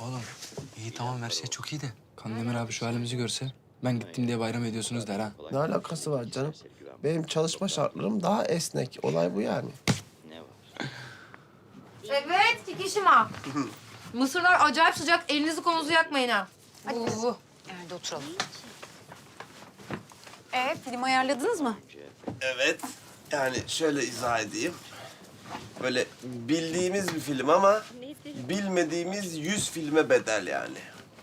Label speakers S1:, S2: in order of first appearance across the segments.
S1: Oğlum iyi tamam her şey çok iyi de Kandemir abi şu halimizi görse ben gittim diye bayram ediyorsunuz der ha.
S2: Ne alakası var canım? Benim çalışma şartlarım daha esnek. Olay bu yani.
S3: Evet, Kikişima. Mısırlar acayip sıcak. Elinizi kolunuzu yakmayın ha. Hadi.
S4: Nerede oturalım? Film ayarladınız mı?
S2: Evet. Yani şöyle izah edeyim. Böyle bildiğimiz bir film ama bilmediğimiz 100 filme bedel yani.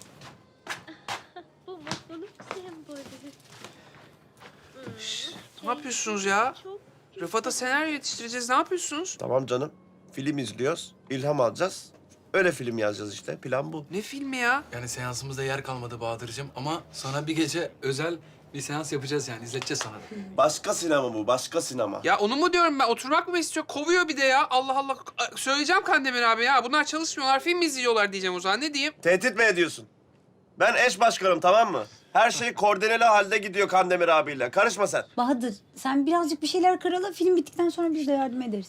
S5: Bu mutluluk sembolü.
S6: Ne yapıyorsunuz ya? Rıfat'a senaryo yetiştireceğiz. Ne yapıyorsunuz?
S2: Tamam canım. Film izliyoruz, ilham alacağız. Öyle film yazacağız işte. Plan bu.
S6: Ne filmi ya?
S1: Yani seansımızda yer kalmadı Bahadır'cığım ama sana bir gece özel bir seans yapacağız yani izleteceğiz sana da.
S2: Başka sinema bu, başka sinema.
S6: Ya onu mu diyorum ben? Oturmak mı istiyor? Kovuyor bir de ya. Allah Allah. Söyleyeceğim Kandemir abi ya. Bunlar çalışmıyorlar, film mi izliyorlar diyeceğim o zaman. Ne diyeyim?
S2: Tehdit mi ediyorsun? Ben eş başkanım, tamam mı? Her şey koordineli halde gidiyor Kandemir abiyle. Karışma sen.
S7: Bahadır, sen birazcık bir şeyler karala. Film bittikten sonra biz de yardım ederiz.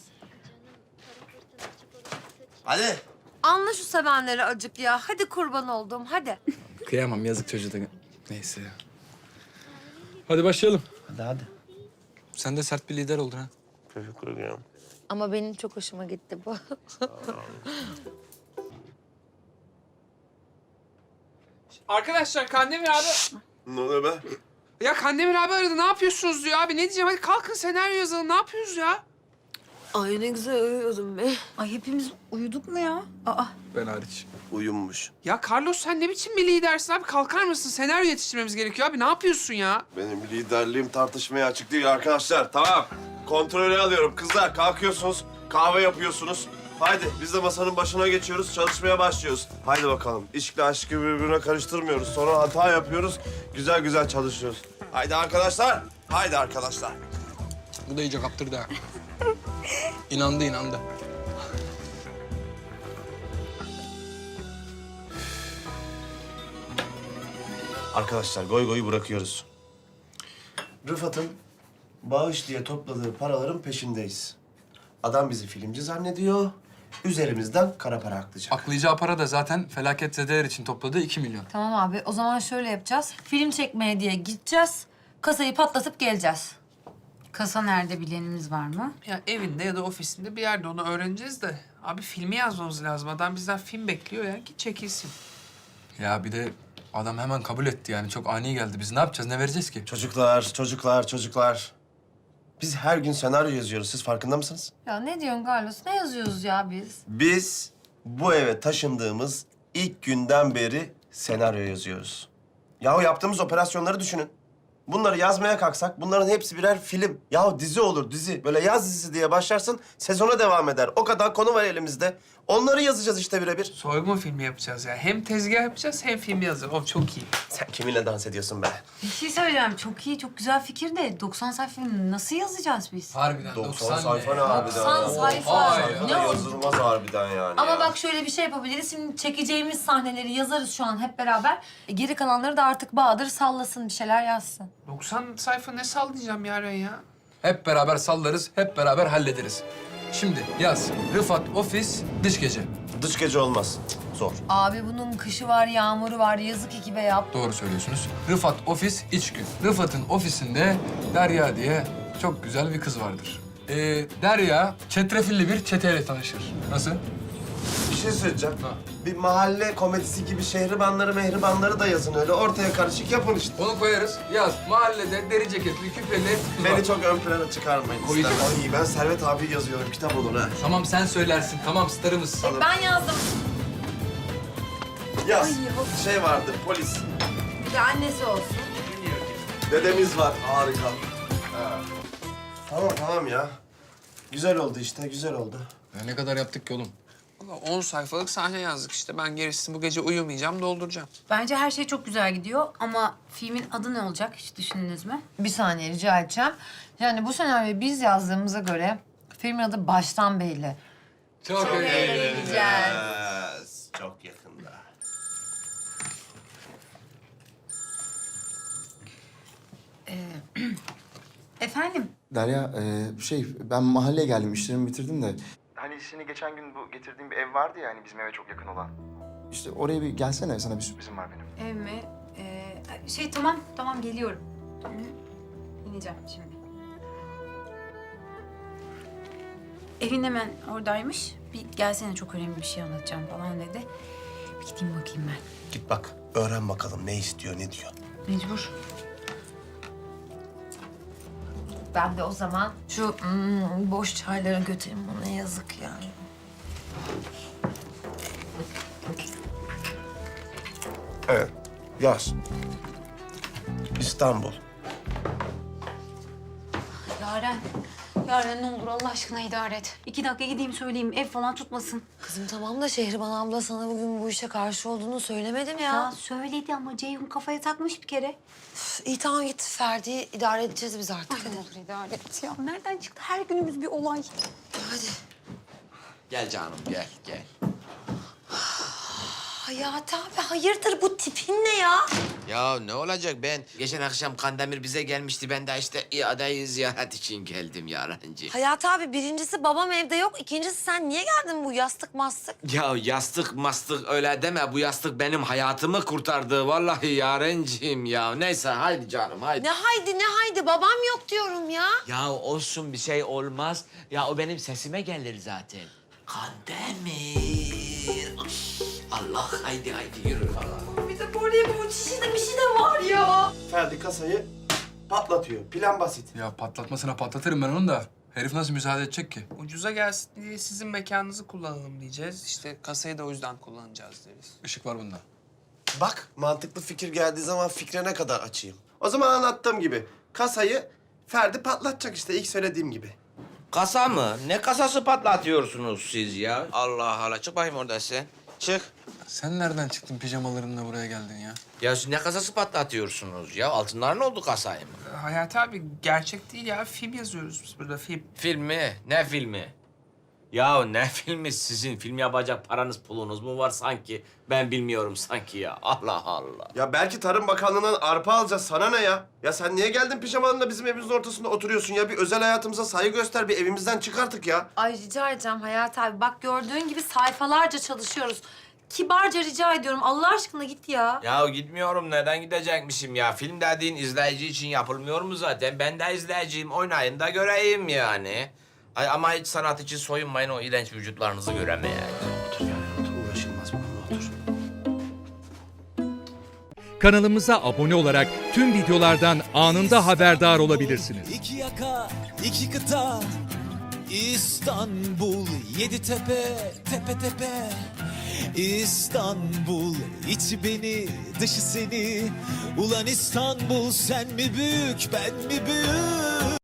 S2: Hadi.
S3: Anla şu sevenleri acık ya. Hadi kurban oldum, hadi.
S1: Kıyamam yazık çocuğa da. Neyse. Hadi başlayalım.
S2: Hadi.
S1: Sen de sert bir lider oldun ha.
S2: Teşekkür ederim.
S3: Ama benim çok hoşuma gitti bu.
S6: Arkadaşlar Kandemir abi...
S2: Ne oluyor be?
S6: Ya Kandemir abi aradı. Ne yapıyorsunuz diyor abi. Ne diyeceğim? Hadi kalkın senaryo yazalım. Ne yapıyoruz ya?
S3: Ay ne güzel uyuyordum be.
S7: Ay hepimiz uyuduk mu ya? Aa,
S1: Ben hariç.
S2: Uyumuş.
S6: Ya Carlos sen ne biçim bir lidersin abi? Kalkar mısın? Senaryo yetiştirmemiz gerekiyor abi. Ne yapıyorsun ya?
S2: Benim liderliğim tartışmaya açık değil arkadaşlar. Tamam. Kontrolü alıyorum. Kızlar kalkıyorsunuz, kahve yapıyorsunuz. Haydi biz de masanın başına geçiyoruz, çalışmaya başlıyoruz. Haydi bakalım. İşle aşkı birbirine karıştırmıyoruz. Sonra hata yapıyoruz, güzel güzel çalışıyoruz. Haydi arkadaşlar, haydi arkadaşlar.
S1: Bu da iyice kaptırdı ha. İnandı.
S2: Arkadaşlar goy goyu bırakıyoruz. Rıfat'ın bağış diye topladığı paraların peşindeyiz. Adam bizi filmci zannediyor. Üzerimizden kara para aklayacak.
S1: Aklayacağı para da zaten felaketzedeler için topladığı 2 milyon.
S3: Tamam abi, o zaman şöyle yapacağız. Film çekmeye diye gideceğiz. Kasayı patlatıp geleceğiz.
S7: kasa nerede bilenimiz var mı?
S6: Ya evinde ya da ofisinde bir yerde onu öğreneceğiz de. Abi filmi yazmamız lazım. Adam bizden film bekliyor ya. Git çekilsin.
S1: Ya bir de adam hemen kabul etti yani. Çok ani geldi. Biz ne yapacağız, ne vereceğiz ki?
S2: Çocuklar. Biz her gün senaryo yazıyoruz. Siz farkında mısınız?
S3: Ya ne diyorsun Carlos? Ne yazıyoruz ya biz?
S2: Biz bu eve taşındığımız ilk günden beri senaryo yazıyoruz. Yahu yaptığımız operasyonları düşünün. Bunları yazmaya kalksak bunların hepsi birer film. Yahu dizi olur dizi. Böyle yaz dizisi diye başlarsın, sezona devam eder. O kadar konu var elimizde. Onları yazacağız işte birebir.
S6: Soygun filmi yapacağız ya. Hem tezgah yapacağız hem film yazacağız. O çok iyi.
S2: Sen kiminle dans ediyorsun be?
S7: Bir şey söyleyeceğim. Çok iyi, çok güzel fikir de 90 sayfa film nasıl yazacağız biz?
S1: Harbiden
S2: 90 sayfa ne harbiden?
S3: 90 sayfa.
S1: Vay
S2: Sayfa
S3: Ne
S2: da
S3: oldu?
S2: yazılmaz harbiden yani.
S3: Ama
S2: ya.
S3: bak şöyle bir şey yapabiliriz. Şimdi çekeceğimiz sahneleri yazarız şu an hep beraber. Geri kalanları da artık Bahadır sallasın, bir şeyler yazsın.
S6: 90 sayfa ne sallayacağım Yaren ya?
S1: Hep beraber sallarız, hep beraber hallederiz. Şimdi yaz. Rıfat ofis, dış gece.
S2: Dış gece olmaz. Cık, zor.
S3: Abi bunun kışı var, yağmuru var. Yazık ekibe yap.
S1: Doğru söylüyorsunuz. Rıfat ofis, iç gün. Rıfat'ın ofisinde Derya diye çok güzel bir kız vardır. Derya çetrefilli bir çeteyle tanışır. Nasıl?
S2: Bir şey söyleyeceğim.
S1: Ha.
S2: Bir mahalle komedisi gibi şehribanları mehribanları da yazın öyle. Ortaya karışık yapın işte.
S1: Onu koyarız. Yaz. Mahallede deri ceketli, küpeli kız var.
S2: Beni çok ön plana çıkarmayın.
S1: Koyacağım.
S2: İstemem. Ay ben Servet abi yazıyorum. Kitap olur ha.
S1: Tamam sen söylersin. Tamam starımız.
S3: Ben yazdım.
S2: Yaz. Şey vardır polis.
S3: Bir de annesi olsun.
S2: Dedemiz var. Harika. Ha. Tamam ya. Güzel oldu işte. Güzel oldu.
S1: Ya ne kadar yaptık ki oğlum?
S6: Valla 10 sayfalık sahne yazdık işte. Ben gerisini bu gece uyumayacağım, dolduracağım.
S7: Bence her şey çok güzel gidiyor ama filmin adı ne olacak? Hiç düşündünüz mü?
S3: Bir saniye rica edeceğim. Yani bu senaryoyu biz yazdığımıza göre filmin adı baştan belli.
S1: Çok
S2: Yes. Çok yakında.
S7: Efendim?
S8: Derya, ben mahalleye geldim, işlerimi bitirdim de.
S9: Hani seni geçen gün bu getirdiğim bir ev vardı ya hani bizim eve çok yakın olan.
S8: İşte oraya bir gelsene, sana bir sürprizim var benim.
S7: Ev mi? Tamam geliyorum. Hı, İneceğim şimdi. Evin hemen oradaymış. Bir gelsene, çok önemli bir şey anlatacağım falan dedi. Bir gideyim bakayım ben.
S2: Git bak, öğren bakalım ne istiyor, ne diyor.
S7: Mecbur. Ben de o zaman şu boş çayları götüreyim, ona yazık yani.
S2: Evet, yaz. İstanbul.
S4: Yaren ne olur Allah aşkına idare et.
S7: 2 dakika gideyim söyleyeyim, ev falan tutmasın.
S3: Kızım tamam da Şehriban abla sana bugün bu işe karşı olduğunu söylemedim ya.
S7: Ya söyledi ama Ceyhun kafaya takmış bir kere.
S3: İyi tamam git Ferdi'yi idare edeceğiz biz artık.
S4: Ne olur idare et ya. Nereden çıktı her günümüz bir olay?
S3: Hadi.
S9: Gel canım gel.
S3: Hayati abi hayırdır, bu tipin ne ya?
S9: Ya ne olacak, ben geçen akşam Kandemir bize gelmişti. Ben de işte iadayı ziyaret için geldim Yarencim.
S3: Hayati abi birincisi babam evde yok. İkincisi sen niye geldin bu yastık mastık?
S9: Ya yastık mastık öyle deme. Bu yastık benim hayatımı kurtardı. Vallahi Yarencim ya. Neyse haydi canım haydi.
S3: Ne haydi babam yok diyorum ya.
S9: Ya olsun bir şey olmaz. Ya o benim sesime gelir zaten. Kandemir. Allah haydi yürü falan.
S3: Bir de böyle bir şey de var ya.
S2: Ferdi kasayı patlatıyor. Plan basit.
S1: Ya patlatmasına patlatırım ben onu da. Herif nasıl müsaade edecek ki?
S6: Ucuza gelsin diye sizin mekanınızı kullanalım diyeceğiz. İşte kasayı da o yüzden kullanacağız deriz.
S1: Işık var bunda.
S2: Bak, mantıklı fikir geldiği zaman fikre ne kadar açayım. O zaman anlattığım gibi kasayı Ferdi patlatacak işte ilk söylediğim gibi.
S9: Kasa mı? Ne kasası patlatıyorsunuz siz ya? Allah Allah. Çık bakayım oradan sen. Çık.
S1: Sen nereden çıktın pijamalarınla buraya geldin ya?
S9: Ya siz ne kasası patlatıyorsunuz ya? Altınlar ne oldu kasaya mı?
S6: Hayati abi gerçek değil ya. Film yazıyoruz biz burada, film.
S9: Filmi? Ne filmi? Ya ne filmi sizin? Film yapacak paranız pulunuz mu var sanki? Ben bilmiyorum sanki ya. Allah Allah.
S2: Ya belki Tarım Bakanlığı'ndan arpa alacağız. Sana ne ya? Ya sen niye geldin pijamanla bizim evimizin ortasında oturuyorsun ya? Bir özel hayatımıza saygı göster. Bir evimizden çık artık ya.
S7: Ay rica edeceğim Hayati abi. Bak gördüğün gibi sayfalarca çalışıyoruz. Kibarca rica ediyorum. Allah aşkına git ya.
S9: Ya gitmiyorum. Neden gidecekmişim ya? Film dediğin izleyici için yapılmıyor mu zaten? Ben de izleyiciyim. Oynayın da göreyim yani. Ay ama hiç sanat için soyunmayın, o iğrenç vücutlarınızı göremeye.
S2: Otur yani, otur. Uğraşılmaz bununla, otur.
S10: Kanalımıza abone olarak tüm videolardan anında haberdar olabilirsiniz.
S11: İki yaka, iki kıta, İstanbul, 7 tepe, tepe tepe. İstanbul, içi beni, dışı seni. Ulan İstanbul, sen mi büyük, ben mi büyük?